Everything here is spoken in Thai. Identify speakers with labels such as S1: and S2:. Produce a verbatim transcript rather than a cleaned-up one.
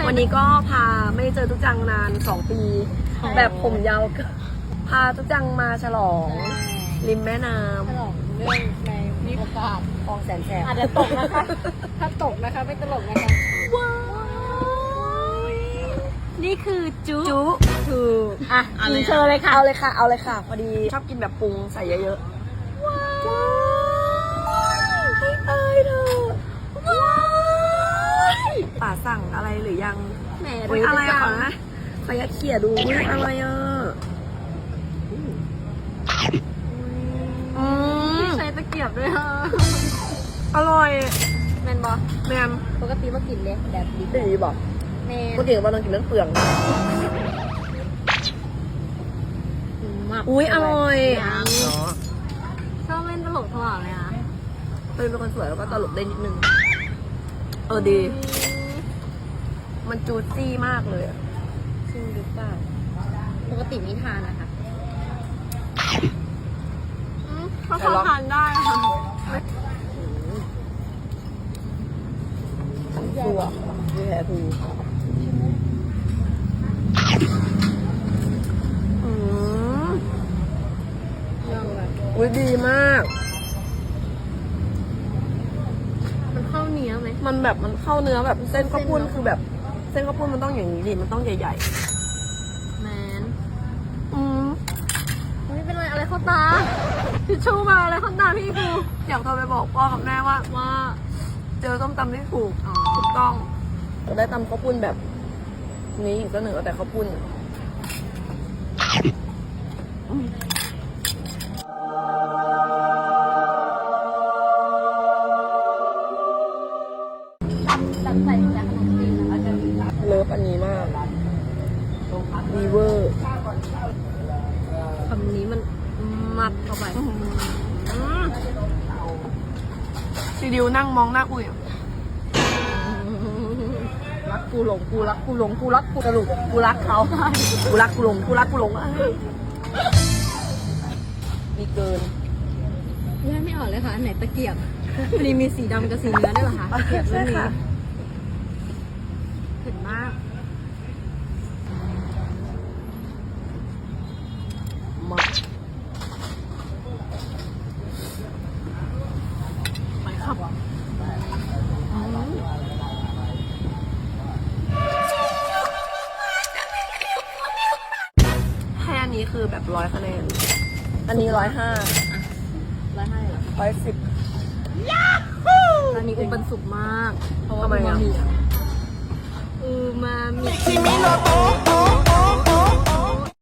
S1: วันนี้ก็พาไม่เจอทุกจังนานสองปี แบบผมยาวพาทุกจังมาฉลองริมแม่น้
S2: ฉลองเรื่องในโอกาส
S1: ำคลองแสนแสบ
S2: อาจจะตกนะคะ ถ้าตกนะคะไม่ตลกนะคะ
S1: ว้าว
S2: นี่คือจุ
S1: จุถูก
S2: อ่ะกินเชิญเลยค่ะ
S1: เอาเลยค่ะ เอาเลยค่ะ พอดีชอบกินแบบปรุงใส่เยอะๆ ว้าวให้ตายเถอะว้าวป่าสั่งอะไรหรือยัง
S2: แหม
S1: อุ้ยอะไรอะขอนะขอยัดเขี่ยดูอุ้ยอะไรอ่ะอืม
S2: ใช้ตะเกียบด้วยค่ะ
S1: อร่อย
S2: แมนบอ
S1: แมม
S2: ปกติมากินเลยแบบดิบ
S1: ตีบอก
S2: แมน
S1: ปกติเราต้องกินน้ำเปลือง
S2: มาก
S1: อุ้ยอร่อย
S2: ยัง
S1: เนาะ
S2: ชอบเล่นตลกตลอดเลยอ่ะ
S1: เป็นคนสวยแล้วก็ตลกได้นิดนึง เออดี มันจูซี่มากเลยอะ
S2: จริงหรือเปล่าปกติไม่ทานนะคะเขาชอบทานได้ค่ะ
S1: ชัวดีแท้ทูอืม
S2: ยังแบบ
S1: อุ้ยดีมาก
S2: มันเข้าเนื้อไหม
S1: มันแบบมันเข้าเนื้อแบบเส้นข้าวปุ้น
S2: เส้นเนอะ
S1: คือแบบ เส้นข้าวปุ้นมันต้องอย่างนี้ดิมันต้องใหญ่
S2: แมน
S1: ๆ อืม
S2: ไม่เป็นไรอะไรเข้าตาทิชชู่มาอะไรเข้าตาพี่กู
S1: อยากโทรไปบอกพ่อกับแม่ว่า
S2: ว่า
S1: เจอส้มตำที่ถูก
S2: อ๋อ
S1: ถูกต้องจะได้ตำข้าวปุ้นแบบ นี้อีกสักหนึ่งเอาแต่ข้าวปุ้นอืม
S2: ตัดใส่จากขนมจีนนะคะจะ
S1: เลิฟอันนี้มากวีเวอร์
S2: คำนี้มันมัดเข้าไป
S1: ซีดิวนั่งมองหน้าอุ้ยรักกูหลงกูรักกูหลงกูรักกูสรุปกูรักเขากูรักกูหลงกูรักกูหลงเอ้ยมีเกิน
S2: แยกไม่ออกเลยค่ะอันไหนตะเกียบพอดีมีสีดำกับสีเนื้อด้วยเหรอคะตะเกียบเรื่องนี้เผ็ดมาก
S1: มากไปครับให้อันนี้คือแบบร้อยคะแนน อันนี้ร้อยห้า
S2: ร้อยห้าเหรอ
S1: ร้อยสิบ
S2: ร้านนี้อุปนสุกมาก เพราะว่า
S1: ทำไม
S2: มัน
S1: อ่ะ
S2: บะหมี่อะ